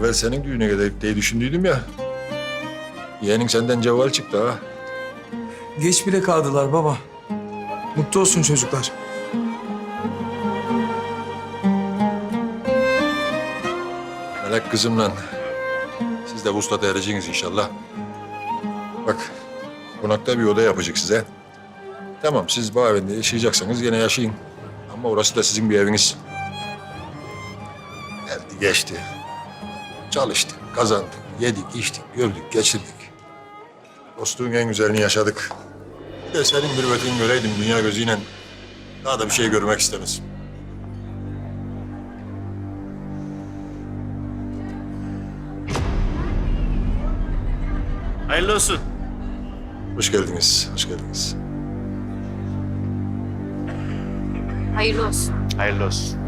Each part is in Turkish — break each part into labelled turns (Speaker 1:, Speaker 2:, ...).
Speaker 1: evvel senin düğüne gidelim diye düşündüydüm ya. Yeğenin senden cevval çıktı ha.
Speaker 2: Geç bile kaldılar baba. Mutlu olsun çocuklar.
Speaker 1: Melek kızımla siz de vuslata ereceksiniz inşallah. Bak, konakta bir oda yapacak size. Tamam, siz bu evinde yaşayacaksanız yine yaşayın. Ama orası da sizin bir eviniz. Geldi geçti. Çalıştık, kazandık, yedik, içtik, gördük, geçirdik. Dostluğun en güzelini yaşadık. Bir de senin mürüvvetini göreydim dünya gözüyle. Daha da bir şey görmek istemez.
Speaker 3: Hayırlı olsun.
Speaker 1: Hoş geldiniz, hoş geldiniz.
Speaker 4: Hayırlı olsun.
Speaker 3: Hayırlı olsun.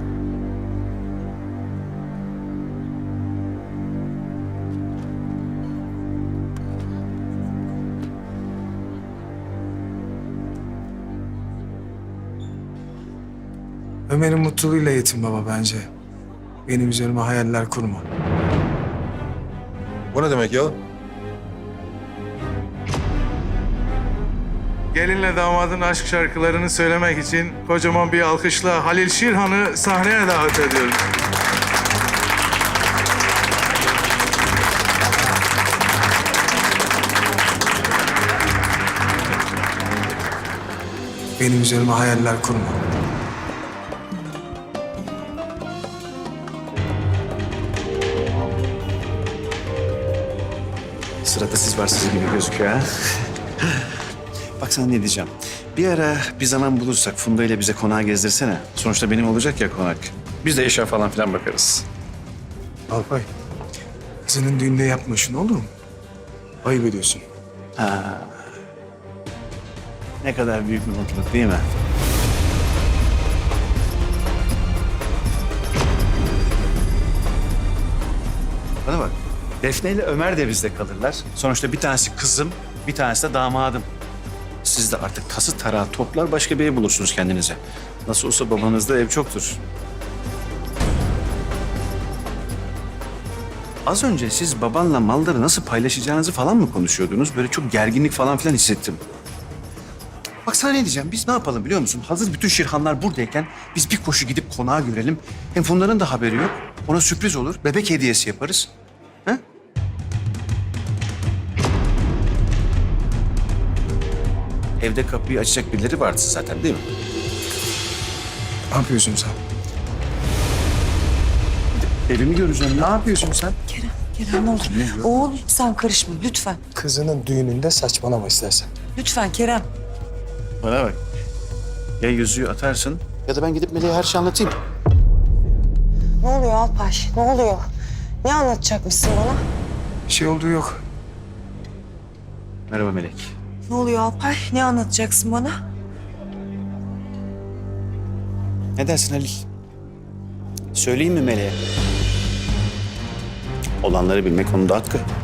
Speaker 2: Ömer'in mutluluğuyla yetin baba bence. Benim üzerime hayaller kurma.
Speaker 1: Bu ne demek ya?
Speaker 5: Gelinle damadın aşk şarkılarını söylemek için kocaman bir alkışla Halil Şirhan'ı sahneye davet ediyorum.
Speaker 2: Benim üzerime hayaller kurma.
Speaker 3: Sırada siz varsınız gibi gözüküyor ha. Bak sana ne diyeceğim. Bir ara bir zaman bulursak Funda ile bize konağı gezdirsene. Sonuçta benim olacak ya konak. Biz de eşya falan filan bakarız.
Speaker 2: Alpay, kızının düğünde yapma şunu olur mu? Ayıp ediyorsun.
Speaker 3: Ne kadar büyük bir mutluluk değil mi? Bana bak. Defne ile Ömer de bizde kalırlar. Sonuçta bir tanesi kızım, bir tanesi de damadım. Siz de artık tası tarağı toplar başka bir ev bulursunuz kendinize. Nasıl olsa babanızda ev çoktur. Az önce siz babanla malları nasıl paylaşacağınızı falan mı konuşuyordunuz? Böyle çok gerginlik falan filan hissettim. Bak sana ne diyeceğim, biz ne yapalım biliyor musun? Hazır bütün Şirhanlar buradayken biz bir koşu gidip konağı görelim. Hem Funda'nın da haberi yok. Ona sürpriz olur, bebek hediyesi yaparız. Ha? Evde kapıyı açacak birileri vardı zaten değil mi?
Speaker 2: Ne yapıyorsun sen?
Speaker 3: Evimi göreceğim
Speaker 2: Ne
Speaker 3: ya.
Speaker 2: yapıyorsun sen?
Speaker 6: Kerem ne olur. Oğul sen karışma lütfen.
Speaker 2: Kızının düğününde saçmalama istersen.
Speaker 6: Lütfen Kerem.
Speaker 3: Bana bak. Ya yüzüğü atarsın ya da ben gidip Melek'e her şeyi anlatayım.
Speaker 6: Ne oluyor Alpay? Ne oluyor? Ne anlatacakmışsın bana?
Speaker 2: Bir şey olduğu yok.
Speaker 3: Merhaba Melek.
Speaker 6: Ne oluyor Alpay? Ne anlatacaksın bana?
Speaker 3: Ne dersin Halil? Söyleyeyim mi Melek'e? Olanları bilmek onun da hakkı.